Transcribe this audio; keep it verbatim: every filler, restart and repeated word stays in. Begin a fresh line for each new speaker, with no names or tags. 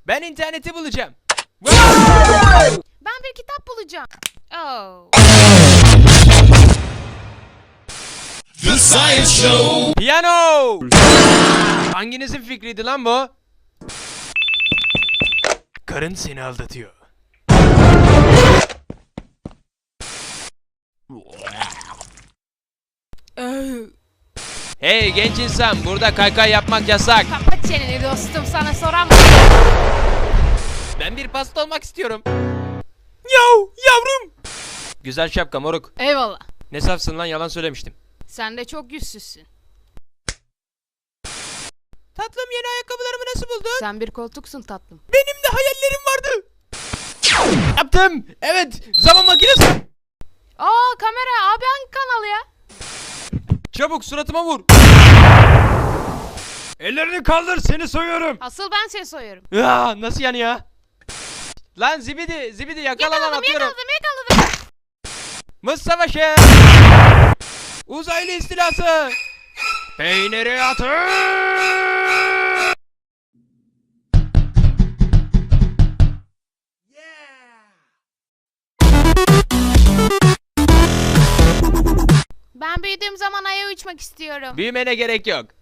Ben interneti bulacağım.
Ben bir kitap bulacağım. Oh.
The Science Show.
Piyano. Hanginizin fikriydi lan bu? Karın seni aldatıyor. Hey genç insan, burada kaykay yapmak yasak.
Kapat çeneni dostum, sana soran.
Ben bir pasta olmak istiyorum. Yav yavrum. Güzel şapka moruk.
Eyvallah.
Ne safsın lan, yalan söylemiştim.
Sen de çok yüzsüzsün.
Tatlım, yeni ayakkabılarımı nasıl buldun?
Sen bir koltuksun tatlım.
Benim de hayallerim vardı. Yaptım. Evet, zaman makinesi.
Aa, kamera abi, hangi kanal ya?
Çabuk suratıma vur. Ellerini kaldır, seni soyuyorum.
Asıl ben seni soyuyorum.
Ya, nasıl yani ya? Lan zibidi, zibidi yakala lan,
Yakaladım
atıyorum.
yakaladım yakaladım.
Mız savaşı. Uzaylı istilası. Peyniri atın.
Ben büyüdüğüm zaman aya uçmak istiyorum.
Büyümene gerek yok.